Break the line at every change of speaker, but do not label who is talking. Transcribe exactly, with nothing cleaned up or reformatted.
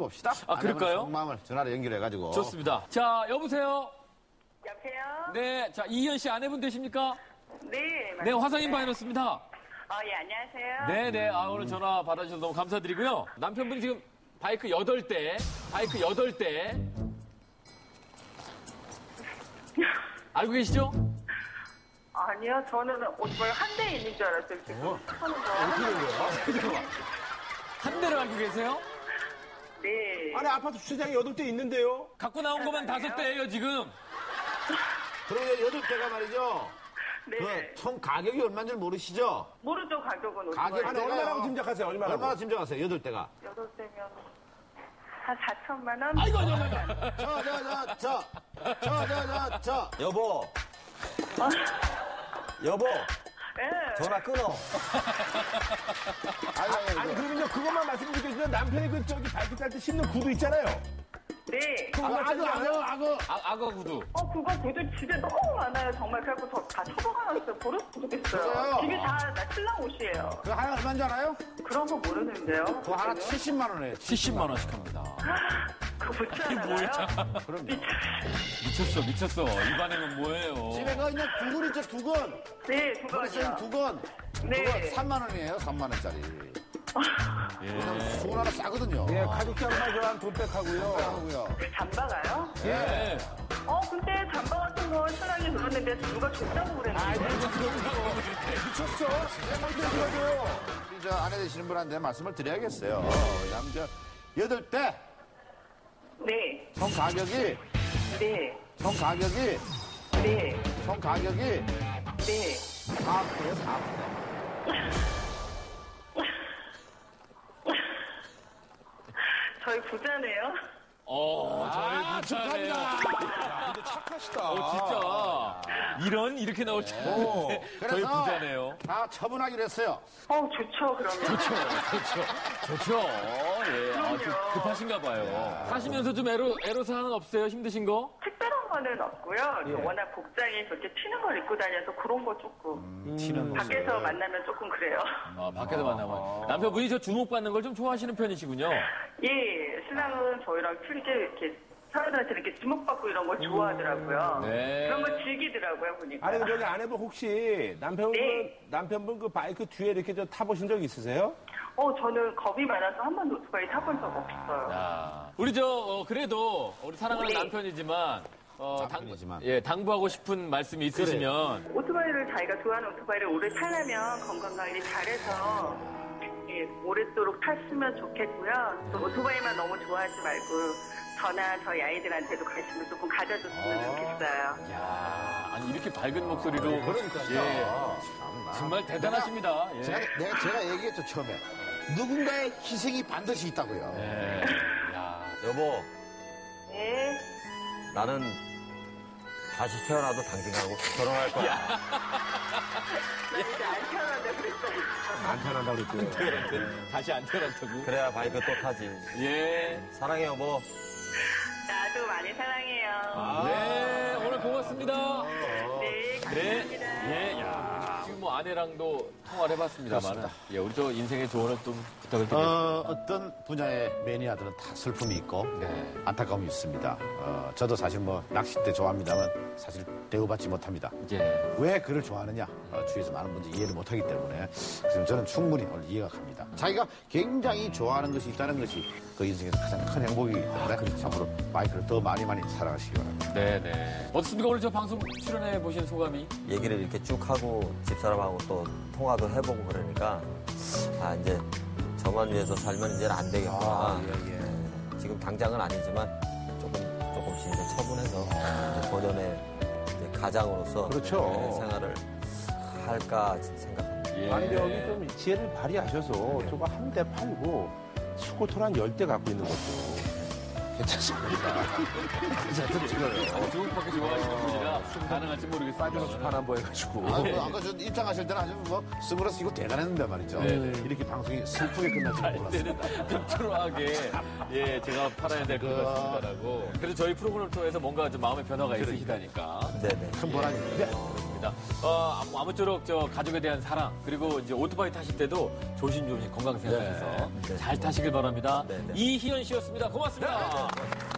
봅시다.
아, 그럴까요?
속마음을 전화로 연결해가지고.
좋습니다. 자, 여보세요?
여보세요?
네, 자, 이희연 씨 아내분 되십니까?
네, 맞습니다.
네, 화성인 바이러스입니다.
어, 예, 안녕하세요.
네네, 아, 오늘 전화 받아주셔서 너무 감사드리고요. 남편분이 지금 바이크 여덟 대, 바이크 여덟 대. 알고 계시죠?
아니요, 저는 오토바이 한 대 있는 줄 알았어요, 지금.
어?
하는 거.
어떻게 된 거야? 잠깐만. 한 대를 알고 계세요?
네.
아니, 아파트 주차장에 여덟 대 있는데요?
갖고 나온 것만 다섯 대예요, 지금.
그러면 여덟 대가 말이죠.
네.
그 총 가격이 얼마인 줄 모르시죠?
모르죠, 가격은 오토바이.
가격
아니, 얼마라고 짐작하세요, 얼마라고?
얼마나 짐작하세요, 여덟 대가?
여덟 대면 한 사천만 원?
아이고, 아이고, 아이고.
저, 저, 저, 저, 저, 저, 저, 저.
여보. 여보.
네.
전화 끊어.
아니, 아니,
아니, 그러면요, 그것만 말씀드리겠습니다. 남편이 그, 저기, 바이크 탈 때 신는 구두 있잖아요.
네.
아, 악어, 악어, 악어.
아, 악어 구두.
어, 그거 구두 집에 너무 많아요, 정말. 그래갖고 저 다 처박아놨어요. 버려서 모르겠어요.
그래요?
집이 다 나 신랑 옷이에요.
그거 하나 얼마인 줄 알아요?
그런 거 모르는데요.
그거 하나
그거는?
칠십만 원이에요.
칠십만 원씩 합니다.
그거 붙지
이게
않아요?
뭐야?
그럼요.
미쳤어, 미쳤어. 이 반응은 뭐예요?
집에 그 있는 두근 있죠, 두근.
네, 두
머리 쓰는
번이요.
두근.
네.
그거 삼만 원이에요, 삼만 원짜리.
예.
수건 하나 싸거든요.
예, 가죽장만 저한 돈백하고요.
하고요.
잠바가요?
예.
어, 근데 잠바 같은 거 신랑이 그랬는데 누가 줬다고 그랬는데.
미쳤어? 내가 먼저 들어줘요.
우리 저 아내 되시는 분한테 말씀을 드려야겠어요. 왜냐면 저 여덟 대
네,
총 가격이
네,
총 가격이
네,
총 가격이
네.
사억 대요, 사억 대.
저희 부자네요.
어, 저희 부자네요.
근데 착하시다.
어, 진짜. 이런, 이렇게 나올 줄 알았는데. 저희
그래서
부자네요.
다 처분하기로 했어요.
어, 좋죠, 그러면.
좋죠, 좋죠. 좋죠. 예. 아, 좀
그럼요.
급하신가 봐요. 사시면서 좀 애로, 애로사항은 없어요? 힘드신 거?
특별한 거는 없고요. 저 워낙 복장이 그렇게 튀는 걸 입고 다녀서 그런 거 조금.
튀는
밖에서 만나면 조금 그래요.
아, 밖에서 만나면. 남편분이 저 주목받는 걸 좀 좋아하시는 편이시군요.
예, 신랑은 저희랑 틀리게 이렇게 사람들한테 이렇게 주목받고 이런 걸 좋아하더라고요.
네.
그런 거 즐기더라고요, 보니까.
아니, 저기 아내분 혹시 남편분,
네.
남편분 그 바이크 뒤에 이렇게 저 타보신 적 있으세요?
어, 저는 겁이 많아서 한 번도 오토바이 타본 적 없어요.
자, 우리 저, 어, 그래도 우리 사랑하는
네.
남편이지만, 어,
남편이지만.
예, 당부하고 싶은 말씀이 있으시면.
오토바이를 자기가 좋아하는 오토바이를 오래 타려면 건강관리 잘해서 예, 오랫도록 탔으면 좋겠고요. 또 오토바이만 너무 좋아하지 말고 저나 저희 아이들한테도 관심을 조금 가져줬으면 좋겠어요.
야, 아니, 이렇게 밝은 목소리로.
그러니까.
예, 정말 대단하십니다. 예.
제가, 내가, 제가 얘기했죠, 처음에. 누군가의 희생이 반드시 있다고요.
예. 야.
여보,
네.
나는 다시 태어나도 당신하고 결혼할 거야.
나 이제 안 태어난다 그랬어요.
안 편한다고 그랬고요.
다시 안 태어났다고?
그래야 바이크 또 타지.
예.
사랑해, 여보.
나도 많이 사랑해요.
아. 네, 오늘 고맙습니다.
네,
네.
감사합니다.
예, 야. 지금 뭐 아내랑도 통화를 해봤습니다만. 예, 우리 저 인생의 조언을 좀 부탁을 드립니다.
어, 어떤 분야의 매니아들은 다 슬픔이 있고
네.
안타까움이 있습니다. 어, 저도 사실 뭐 낚싯대 좋아합니다만 사실 대우받지 못합니다.
예.
왜 그를 좋아하느냐? 어, 주위에서 많은 분들이 이해를 못하기 때문에 지금 저는 충분히 오늘 이해가 갑니다. 자기가 굉장히 좋아하는 것이 있다는 것이 그 인생에서 가장 큰 행복이기 때문에 앞으로 바이크를 더 많이 많이 사랑하시기 바랍니다.
네네. 어떻습니까? 오늘 저 방송 출연해 보신 소감이?
얘기를 이렇게 쭉 하고 집사람하고 또 통화도 해보고 그러니까 아 이제 저만 위해서 살면 이제 안 되겠구나.
아, 예, 예.
네, 지금 당장은 아니지만 조금 조금씩 이제 처분해서 이제 본연의 이제 가장으로서
그렇죠.
네, 생활을 할까 생각합니다.
예.
아니, 여기 좀 지혜를 발휘하셔서 저거 한 대 팔고 스쿠터를 한 열 대 갖고 있는 것도.
괜찮습니다.
어, 중국밖에 좋아하시는 분이라 가능할지 모르겠습니다.
사이버노스 판 한번 해가지고.
아, 뭐 아까 저 입장하실 때는 아주 뭐 스물어서 이거 대단했는데 말이죠.
네네.
이렇게 방송이 슬프게 끝날 줄 몰랐어요.
때는 빅트로하게 예 제가 팔아야 될 것 같습니다라고. 그래서 저희 프로그램을 통해서 뭔가 좀 마음의 변화가 있으시다니까.
네네.
큰 보람입니다.
알겠습니다. 어, 아무- 아무쪼록 저 가족에 대한 사랑 그리고 이제 오토바이 타실 때도 조심조심 건강 생각하셔서
네.
잘 타시길 바랍니다.
네, 네.
이희연 씨였습니다. 고맙습니다.